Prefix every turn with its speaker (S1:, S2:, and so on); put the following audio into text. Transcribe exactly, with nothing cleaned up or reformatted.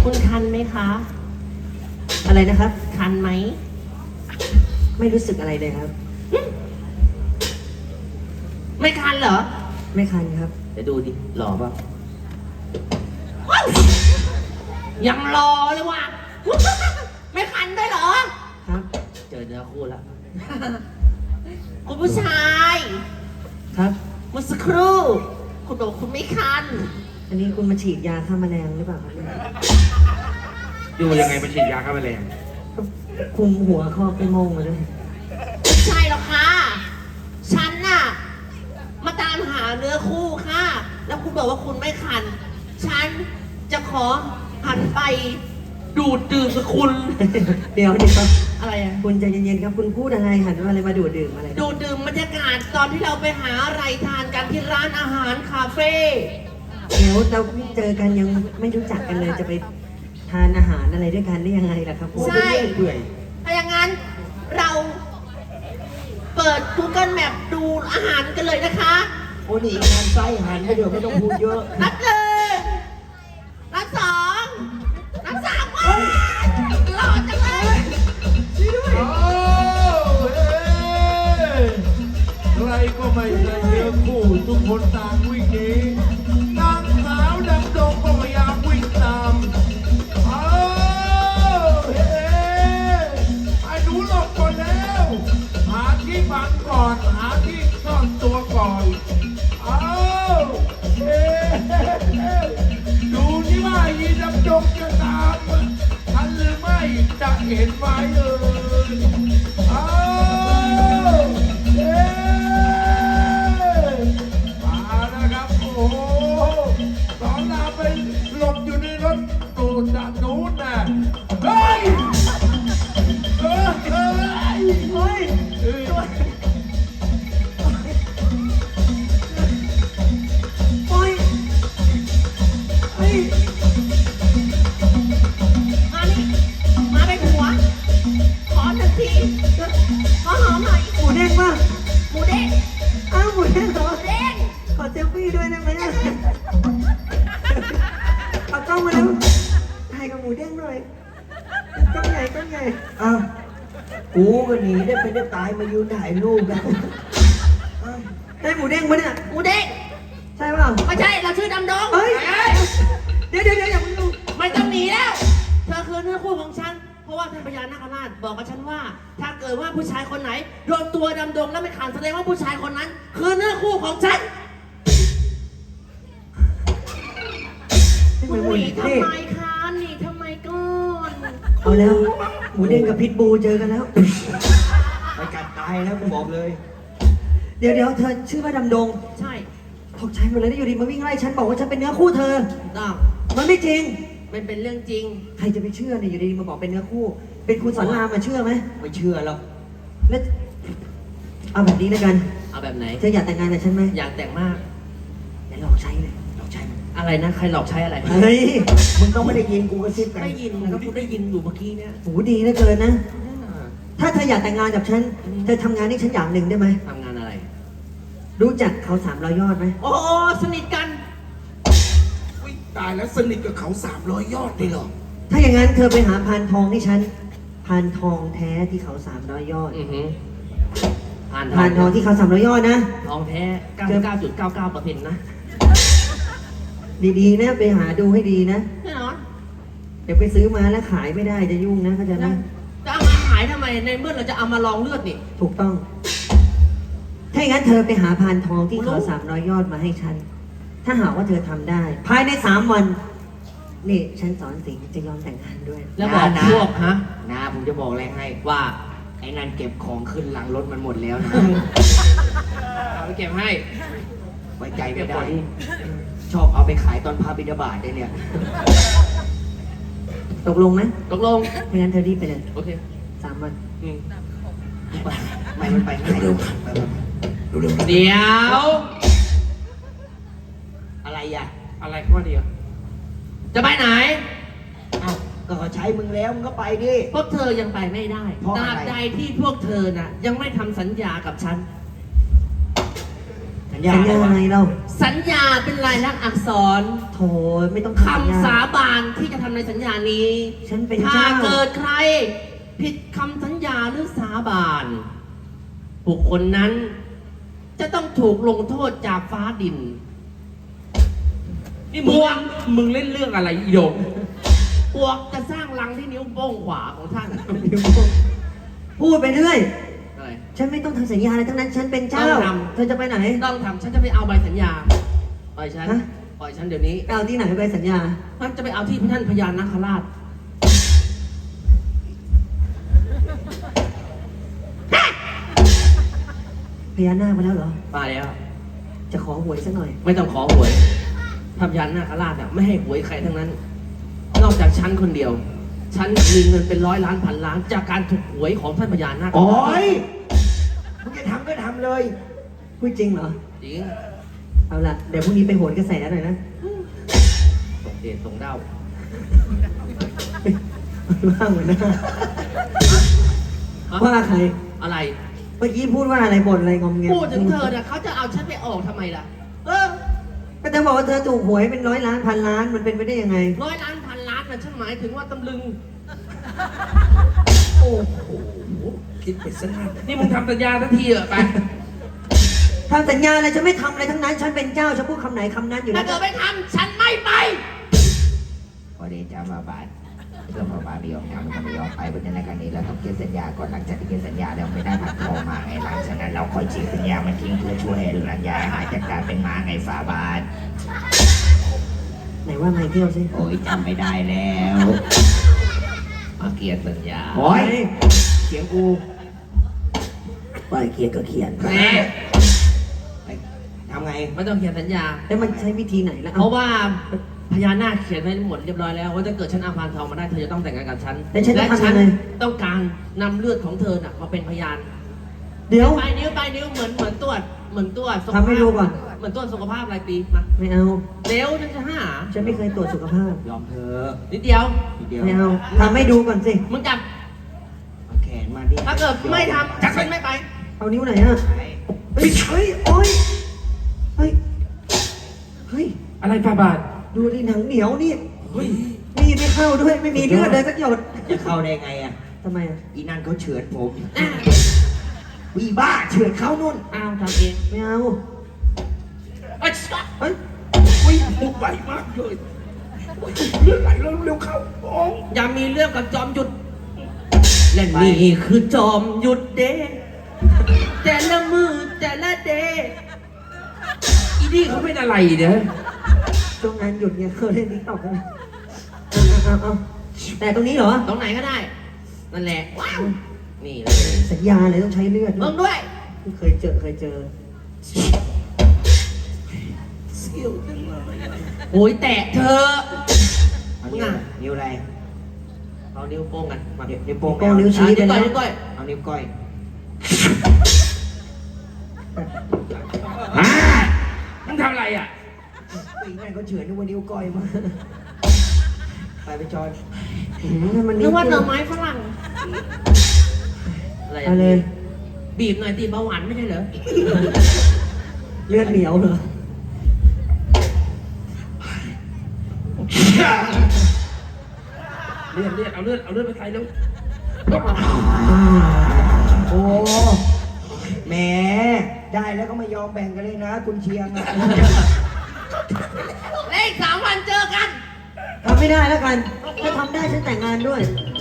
S1: คุณคันไหมคะ
S2: อะไรนะครับ
S1: คันไหม
S2: ไม่รู้สึกอะไรเลยครับ
S1: ไม่คันเหรอ
S2: ไม่คันครับ
S1: เดี๋ยวดูดิหล่อป่ะยังรอเลยว่ะ ไม่คันด้วยเหรอ
S2: ครับ
S1: เจอเนื้อคู่แล้ว คุณผู้ชาย
S2: ครับ
S1: เมื่อสักครู่ คุณบอกคุณไม่คัน
S2: อันนี้คุณมาฉีดยาฆ่าแมลงหรือเปล่าครับเนี่ย
S3: ดูยังไงมาฉีดยาฆ่าแมลง
S2: คุมหัวครอบไปโมงมาด้วย
S1: ไม่ใช่หรอกค่ะ ฉันน่ะ มาตามหาเนื้อคู่ค่ะ แล้วคุณบอกว่าคุณไม่คัน ฉันจะขอหันไปดูดดื่มกับคุณ
S2: เดี๋ยวเดี๋ยว
S1: อะไรอะ
S2: คุณใจเย็นๆครับ คุณพูดอะไรหันมาอะไรมาดูดดื่มอะไร
S1: ดูดดื่มบรรยากาศตอนที่เราไปหาอะไรทานกันที่ร้านอาหารคาเฟ่
S2: เดี๋ยวเราเจอกันยังไม่รู้จักกันเลยจะไปทานอาหารอะไรด้วยกันได้ยังไงล่ะครับผม
S1: ใช่
S3: เปื่อย
S1: ถ้าอย่างนั้นเราเปิด Google Map ดูอาหารกันเลยนะคะ
S3: โอ้นี่งานไส้หันไปเดี๋ยวไม่ต้องพูดเยอะ
S1: นับหนึ่งนับสองนับสามว้าวหล่อจังเลยช่วยด้วย
S4: โอ้เฮ้ใครก็ไม่ใช่เนื้อคู่ทุกคนต่างวิ่งหนีนางสาวดำดงก็พยายามวิ่งตามโอ้เฮ้ไอ้หนูหลบก่อนแล้ว หาที่บังก่อน หาที่ซ่อนตัวก่อนโอ้เฮ้ดูที่ว่าอีดำดงจะตามทันหรือไม่จะเห็นไหมเอ่ยโอ้เฮ้มาแล้วครับ โอ้โหสองนางไปหลบอยู่ในรถตูนด้านนู้นน่ะเฮ้ยเฮ้ยเฮ้ยเฮ้ยเฮ้ย
S2: โอ๊ยเฮ้ย
S1: มานี่มาไปหัว ขอหนึ่งทีขอหอมหน่อย
S2: หมูเด้งป่ะ
S1: หมูเด้ง
S2: อ้าวหมูเด้งเหรอ
S1: หมูเด้ง
S2: ขอเซลฟี่ด้วยได้ไหมอะเอากล้องมาแล้วถ่ายกับหมูเด้งหน่อยกล้องใหญ่กล้องใหญ่
S3: อ้าวกูก็หนีได้ไปได้ตายมายืนถ่ายรูปกัน
S2: ได้หมูเด้งปะเนี่ย
S1: หมูเด้ง
S2: ใช่เปล่า
S1: ไม่ใช่ เราชื่อดำดง
S2: เฮ้ย เดี๋ยวเดี๋ยวเดี๋ยวอย่าเพิ่งดู
S1: ไม่ต้องหนีแล้ว เธอคือเนื้อคู่ของฉัน เพราะว่าท่านพญานาคราชบอกกับฉันว่า ถ้าเกิดว่าผู้ชายคนไหนโดนตัวดำดงแล้วไม่ขาดแสดงว่าผู้ชายคนนั้น คือเนื้อคู่ของฉัน
S2: ไม่
S1: คุณ
S2: เหมือนหมู
S1: หนี
S2: เด้
S1: ทำ
S2: ง
S1: ไมคะหนีทำไมก่อน
S2: เอาแล้ว หมูเด้งกับพิษบูเจอกันแล้ว
S3: ไปกัดตายแล้วกูบอกเลย
S2: เดี๋ยวเดี๋ยวเธอชื่อว่าดำดง
S1: ใช่
S2: ตกใจหมดเลยได้อยู่ดีมาวิ่งไล่ฉันบอกว่าฉันเป็นเนื้อคู่เธอ
S1: ต้อง
S2: มันไม่จริง
S1: มันเป็นเรื่องจริง
S2: ใครจะไปเชื่อเนี่ยอยู่ดีๆมาบอกเป็นเนื้อคู่ เป็นคุณสอนรามมาเชื่อไหม
S3: ไม่เชื่อหรอก
S2: แล้วเอาแบบนี้แล้วกัน
S1: เอาแบบไหน
S2: เธออยากแต่งงานกับฉันไหม
S1: อยากแต่งมาก
S2: เดี๋ยวลองใช้เลย
S3: เราใช่ไหม
S1: อะไรนะ ใครหลอกใช้อะไร
S2: เฮ้ย
S3: มึงต้องไม่ได้ยินกูกระซิบกัน
S1: ได้ยินก็พูดได้ยินอยู่เมื่อกี้เนี่ย
S2: โหดีเหลือเกินนะ ถ้าเธออยากแต่งงานกับฉัน เธอทำงานให้ฉันอย่างหนึ่งได้ไหม
S1: ทำงานอะไร
S2: รู้จักเขาสามร้อยยอดไหม
S1: โอ้สนิทกัน
S4: อุ๊ยตายแล้วสนิทกับเขาสามร้อยยอดเลยเหรอ
S2: ถ้าอย่างนั้นเธอไปหาพานทองให้ฉัน พานทองแท้ที่เขาสามร้อยยอด
S1: อือหือผ่าน
S2: พานทองที่เขาสามร้อยยอดนะ
S1: ทองแท้ เก้าสิบเก้าจุดเก้าเก้าเปอร์เซ็นต์ นะ
S2: ดีๆนะไปหาดูให้ดีนะ
S1: แน่นอน
S2: เดี๋ยวไปซื้อมาแล้วขายไม่ได้จะยุ่งนะเข้าใจไหม
S1: จะเอามาขายทำไม ในเมื่อเราจะเอามาลองเลือดนี่
S2: ถูกต้อง ถ้าอย่างนั้นเธอไปหาพานทองที่เขาสามร้อยยอดมาให้ฉัน ถ้าหากว่าเธอทำได้ ภายในสามวัน นี่ฉันสอนสิงห์จะยอมแต่งงานด้วย
S1: แล้วบอก
S3: นะ
S1: พวกฮะ
S3: นะผมจะบอกอะไรให้
S1: ว่า
S3: ไอ้นั่นเก็บของขึ้นหลังรถมันหมดแล้วนะ
S1: เอาไปเก็บให้
S3: ไว้ใจไม่ได้ ชอบเอาไปขายตอนพาบิณฑบาตได้เนี่ย
S2: ตกลงไหม
S1: ตกลง
S2: ถ้างั้นเธอรีบไปเลย
S1: โอเค
S2: สามวัน
S1: อืม
S3: ไม่มันไปง่ายเร็วเร็ว
S1: เดี๋ยว
S3: อะไรอ่ะ
S1: อะไรข้อเดียว จะไปไหน
S3: เอ้าก็เขาใช้มึงแล้วมึงก็ไปดิ
S1: พวกเธอยังไปไม่ได้
S3: เพราะ
S1: ต
S3: อะไร
S1: ราบใดที่พวกเธอน่ะ ยังไม่ทำสัญญากับฉัน
S3: สัสัญญา
S2: สัญญาอะไรเรา
S1: สัญญาเป็นลายลักษณ์อักษร
S2: โถไม่ต้องทำสัญญา
S1: คำสาบานที่จะทำในสัญญานี้
S2: ฉันเป็น
S1: ถ้า
S2: เจ้า
S1: เกิดใคร ผิดคำสัญญาหรือสาบานบุคคลนั้น จะต้องถูกลงโทษจากฟ้าดิน
S5: นี่มึงมึงเล่นเรื่องอะไรอีโดง
S1: ปวกจะสร้างรังที่นิ้วโป้งขวาของท่าน
S2: พูดไปเรื่อย
S1: อะไร
S2: ฉันไม่ต้องทำสัญญาอะไรทั้งนั้น ฉันเป็นเจ้า
S1: ต้องทำ
S2: เธอจะไปไหน
S1: ต้องทำฉันจะไปเอาใบสัญญา ปล่อยฉัน
S2: ฮะ
S1: ปล่อยฉันเดี๋ยวนี้
S2: เอาที่ไหนไปสัญญา
S1: ฉันจะไปเอาที่ท่านพญานาคราช
S2: พญานาคมาแล้วเหรอ
S1: มาแล้ว
S2: จะขอหวยสักหน่อย
S1: ไม่ต้องขอหวยพระพญานาคราชเนี่ยไม่ให้หวยใครทั้งนั้น นอกจากฉันคนเดียว ฉันมีเงินเป็นร้อยล้านพันล้าน จากการถูกหวยของท่านพญานาค
S3: โอ้ยมึงจะทำก็ทำเลย
S2: พูดจริงเหรอ
S1: จริง
S2: เอาล่ะ เดี๋ยวพรุ่งนี้ไปโหนกระแสหน่อยนะ
S1: ส่งเดชส่งเด้า
S2: ว่าเหมือนหน้าว่าใคร
S1: อะไร
S2: เมื่อกี้พูดว่าอะไรบ่นอะไรงอมแงม
S1: พูดถึงเธอเนี่ยเขาจะเอาฉันไปออกทำไมล่ะ เออ
S2: ก็จะบอกว่าเธอถูกหวยเป็นร้อยล้านพันล้านมันเป็นไปได้ยังไง
S1: ร้อยล้านพันล้านนะฉันหมายถึงว่าตำลึง
S5: โอ้โหคิดไปซะนานนี่มึงทำสัญญาทันทีเหรอไป
S2: ทำสัญญาอะไรฉันไม่ทำอะไรทั้งนั้น ฉันเป็นเจ้าฉันพูดคำไหนคำนั้นอยู่
S1: ถ้า
S2: แล้ว
S1: เกิดไม่ทำฉันไม่ไป
S3: พอเดชามาบาทเรื่องมาบาทไม่ยอมทำก็ไม่ยอมไปเพราะฉะนั้นการนี้เราต้องเขียนสัญญาก่อนหลังจากที่เขียนสัญญาแล้วไม่ได้ผัดทองมาไงหลังจากนั้นเราค่อยฉีกสัญญามันทิ้งเพื่อช่วยให้สัญญาหายจากการเป็นม้าไงฝาบาท
S2: ไหนว่าไม่เที่ยวสิ
S3: โอ้ยจำไม่ได้แล้ว
S1: มาเกียรสัญญา
S3: โอ้ยเสียงกู
S2: ปล่อยเขียนก็เขียน
S1: แม่
S3: ไปทำไง
S1: ไม่ต้องเขียนสัญญา
S2: แล้วมันใช้วิธีไหนล่ะ
S1: เพราะว่าพญานาคเขียนไว้หมดเรียบร้อยแล้วว่าถ้าเกิดฉันเอาพานทองมาได้เธอจะต้องแต่งงานกับฉัน
S2: แต่ฉัน
S1: และ
S2: จะทำ
S1: ฉั
S2: ยั
S1: น
S2: งไง
S1: ต้องการนำเลือดของเธอน่ะมาเป็นพยาน
S2: เดี๋ยว
S1: ปลายนิ้วปลายนิ้วเหมือนเหมือนตรวจเหมือนตรวจสุข
S2: ทำให้ดูก่อน
S1: เหมือนตรวจสุขภาพรายปีมา
S2: ไม่เอา
S1: เร็วฉันจะหา
S2: ฉันไม่เคยตรวจสุขภาพ
S3: ยอมเธอะ
S1: นิดเดียว
S3: ทีเดียว
S2: ไม่เอาทำให้ดูก่อนสิ
S1: มึงจับ
S3: เอาแขนมาดิ
S1: ถ้าเกิดไม่ทำฉันไม่ไป
S2: เอานิ้วไหนอ่ะ
S3: ไป
S2: เฮ้ยเฮ้ยโอ้ยเฮ้ย เฮ้ย
S5: อะไรฟาบาท
S2: ดูดิหนังเหนียวนี่
S5: เฮ้ย
S2: มีดไม่เข้าด้วย ไม่มีเลือดเลยสักหยด
S3: จะเข้าได้ไงอ่ะ
S2: ทำไมอ่ะ
S3: อีนั่นเขาเฉือนผม
S1: อ่ะ
S3: วีบ้าเฉือนเขานุ่น
S1: อ้าวทำเอง
S2: ไม่เอา
S1: เอ้ย
S2: เฮ้ย
S5: อุ้ยมุกใหญ่มากเลยโอ้ยเลือดไหลแล้วเร็วเข้าโอ้ย
S1: อย่ามีเรื่องกับจอมหยุด และนี่คือจอมหยุดเดแต่ละมือแต่ละเด
S5: อีนี่เขาเป็นอะไรเนี่ย
S2: ช่วงงานหยุดเนี่ยเขาเล่นติ๊กต็อกกันเอาเอาเอาแต่ตรงนี้เหรอ
S1: ตรงไหนก็ได้ นั่นแหละ ว้าว นี่เลย
S2: สัญญาเลยต้องใช้เลือด
S1: มึงด้วย
S2: เคยเจอเคยเจอ
S5: เสียวจังเลย
S1: โอ้ยแตะเธอ
S3: เอานิ้วนิ้วอะไร
S1: เอานิ้วโป้งกันมา
S3: นิ้วนิ้วโป้ง
S2: โป้งนิ้วชี้
S1: อ่ะนิ้วก้อย
S2: ไป
S1: นิ้วก้อย
S3: เอานิ้วก้อย
S5: อ่ามึงทำอะไรอ่ะ
S3: อีนั่นเขาเฉือนนึกว่านิ้วก้อยมาไปไปจอย
S2: อืมถ้ามัน
S1: นึ
S2: นิ้
S1: ก
S2: ว
S1: ว่าห
S2: เดี
S1: น่
S2: ย
S1: อ
S2: ว
S1: ไม้ฝรั่ง อะไร
S2: เอาเลย
S1: บีบหน่อยตีเบาหวานไม่ใช่เหรอ
S2: เลือดเหนียวเหรอ
S5: เลือดเลือดเอาเลือดเอาเลือดไปใส่แล้ว
S3: โอ้แหมได้แล้วก็ไม่ยอมแบ่งกันเลยนะ คุณเชียงอะ
S1: เลขสามวันเจอกัน
S2: ทำไม่ได้แล้วกัน ถ้าทำได้ฉันแต่งงานด้วย
S1: ไ